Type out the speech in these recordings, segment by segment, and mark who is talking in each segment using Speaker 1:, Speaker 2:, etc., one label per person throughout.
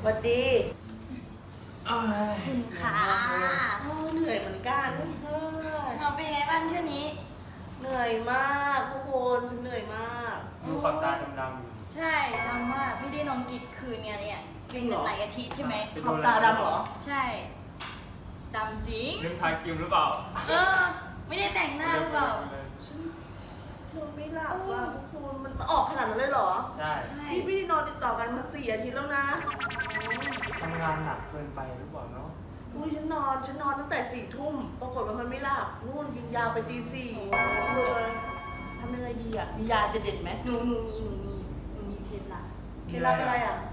Speaker 1: วัสดี
Speaker 2: ค่ะ
Speaker 1: เหนื่อยเหมือนกัน
Speaker 2: เราเป็นไงบ้างช่วงนี้
Speaker 1: เหนื่อยมากทุกคนฉันเหนื่อยมาก
Speaker 3: ดูขอบตาดำๆ
Speaker 2: ใช่ดำมากไม่ได้นอนกินคืนเนี่ย
Speaker 1: จริงเหรอ
Speaker 2: หลายอาทิตย์ใช่ไหม
Speaker 1: ขอบตาดำเหรอ
Speaker 2: ใช่ดำจริง
Speaker 3: ลืมทาครีมหรือเปล่า
Speaker 2: ไม่ได้แต่งหน้าหรือเปล่า
Speaker 1: ฉันนอนไม่หลับว่ะทุกคนมันออกขนาดนั้นเลยเหรอ
Speaker 3: ใช่
Speaker 1: พี่ไม่ได้นอนติดต่อกันมา4 อาทิตย์แล้วนะ
Speaker 3: ทำงานหนักเกินไปหรือเปล่าเนาะ
Speaker 1: อุ้ยฉันนอนตั้งแต่4 ทุ่มปรากฏว่ามันไม่หลับนู่นยิงยาวไปตี 4เลยทำยังไงดีอ่ะมียาเด็ดๆไหม
Speaker 2: หนูมีเคล็ดลับ
Speaker 1: อะไรอ่ะ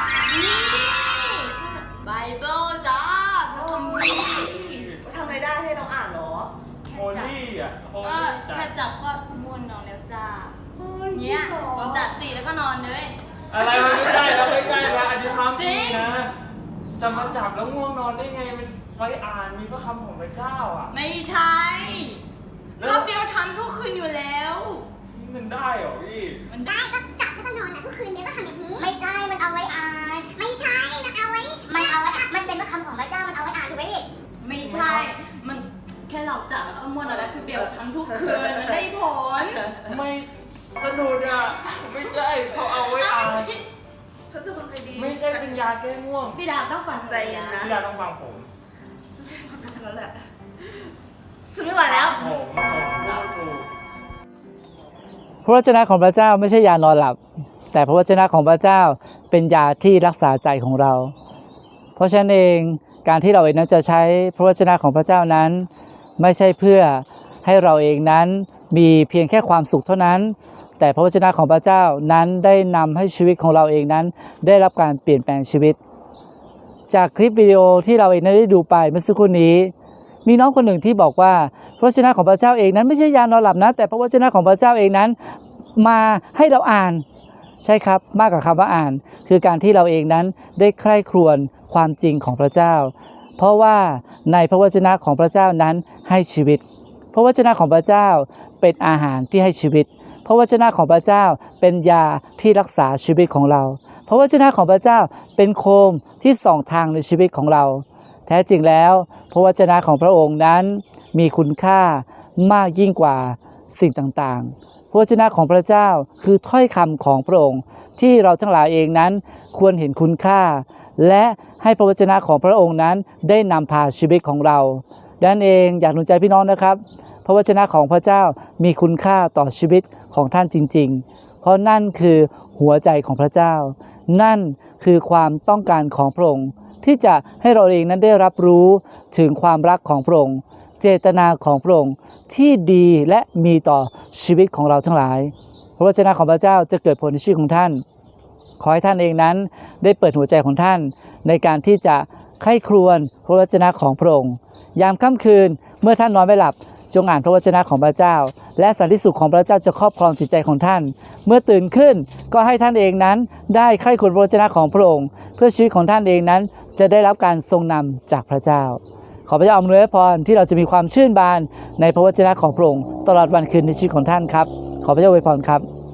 Speaker 2: ไบเบิลจ้าทำดี
Speaker 1: ทำอะไรได้ให้เราอ่านเหรอ
Speaker 3: โฮลี่อ่ะโฮลี่
Speaker 2: แค่จับก็ม่วนนอนแล้วจ้า
Speaker 1: เนี่ย
Speaker 2: ลองจับ4แล้วก็นอนเลย
Speaker 3: อะไรไม่ใช่นะอันนี้ความจริงนะจะมาจับแล้วง่วงนอนได้ไงมันไว้อ่านมีพระคำของพระเจ้าอ่ะ
Speaker 2: ไม่ใช่รอบเดียวทำทุกคืนอยู่แล้ว
Speaker 3: มันได้เหรอพี่
Speaker 2: มันได้
Speaker 4: ก็จับแล้วก็นอนทุกคืนเนี่ยก็ทำอย่างนี้ไม่ใช่มันเอาไว้อ่านไม่ใช่มันเอาไว้มันเป็นพระคำของพระเจ้ามันเอาไว้อ่านถูกไหมพี่
Speaker 2: ไม่ใช่มันแค่เราจับแล้วก็ม้วนอะไรคือเบลทั้งทุกคืนมันได้ผล
Speaker 3: ไม่สะดุดอ่ะไม่ใช่เขาเอาไว้อ่าน
Speaker 1: ฉันจะฟังใครดี
Speaker 3: ไม่ใช่เป็นยาแก้ง่วง
Speaker 2: พี่ดาต้องฟัง
Speaker 1: ใจเย็นนะ
Speaker 3: พี่ดาต้องฟังผม
Speaker 1: ฉันไม่ฟังกันทั้งนั้นแหละฉันไม่ไหวแล้ว
Speaker 3: ผมถูก
Speaker 5: พระวจนะของพระเจ้าไม่ใช่ยานอนหลับแต่พระวจนะของพระเจ้าเป็นยาที่รักษาใจของเราเพราะฉะนั้นเองการที่เราเองนั้นจะใช้พระวจนะของพระเจ้านั้นไม่ใช่เพื่อให้เราเองนั้นมีเพียงแค่ความสุขเท่านั้นแต่พระวจนะของพระเจ้านั้นได้นำให้ชีวิตของเราเองนั้นได้รับการเปลี่ยนแปลงชีวิตจากคลิปวิดีโอที่เราเองได้ดูไปเมื่อสักครู่นี้มีน้องคนหนึ่งที่บอกว่าพระวจนะของพระเจ้าเองนั้นไม่ใช่ยานอนหลับนะแต่พระวจนะของพระเจ้าเองนั้นมาให้เราอ่านใช่ครับมากกว่าคำว่าอ่านคือการที่เราเองนั้นได้ใคร่ครวญความจริงของพระเจ้าเพราะว่าในพระวจนะของพระเจ้านั้นให้ชีวิตพระวจนะของพระเจ้าเป็นอาหารที่ให้ชีวิตพระวจนะของพระเจ้าเป็นยาที่รักษาชีวิตของเราพระวจนะของพระเจ้าเป็นโคมที่ส่องทางในชีวิตของเราแท้จริงแล้วพระวจนะของพระองค์นั้นมีคุณค่ามากยิ่งกว่าสิ่งต่างๆพระวจนะของพระเจ้าคือถ้อยคำของพระองค์ที่เราทั้งหลายเองนั้นควรเห็นคุณค่าและให้พระวจนะของพระองค์นั้นได้นำพาชีวิตของเราดังนั้นเองอยากหนุนใจพี่น้องนะครับพระวจนะของพระเจ้ามีคุณค่าต่อชีวิตของท่านจริงๆเพราะนั่นคือหัวใจของพระเจ้านั่นคือความต้องการของพระองค์ที่จะให้เราเองนั้นได้รับรู้ถึงความรักของพระองค์เจตนาของพระองค์ที่ดีและมีต่อชีวิตของเราทั้งหลายพระวจนะของพระเจ้าจะเกิดผลในชีวิตของท่านขอให้ท่านเองนั้นได้เปิดหัวใจของท่านในการที่จะใคร่ครวญพระวจนะของพระองค์ยามค่ำคืนเมื่อท่านนอนไม่หลับจงอ่านพระวจนะของพระเจ้าและสันติสุขของพระเจ้าจะครอบครองจิตใจของท่านเมื่อตื่นขึ้นก็ให้ท่านเองนั้นได้ใคร่ครวญพระวจนะของพระองค์เพื่อชีวิตของท่านเองนั้นจะได้รับการทรงนำจากพระเจ้าขอพระเจ้าอำนวยพรที่เราจะมีความชื่นบานในพระวจนะของพระองค์ตลอดวันคืนในชีวิตของท่านครับขอพระเจ้าอวยพรครับ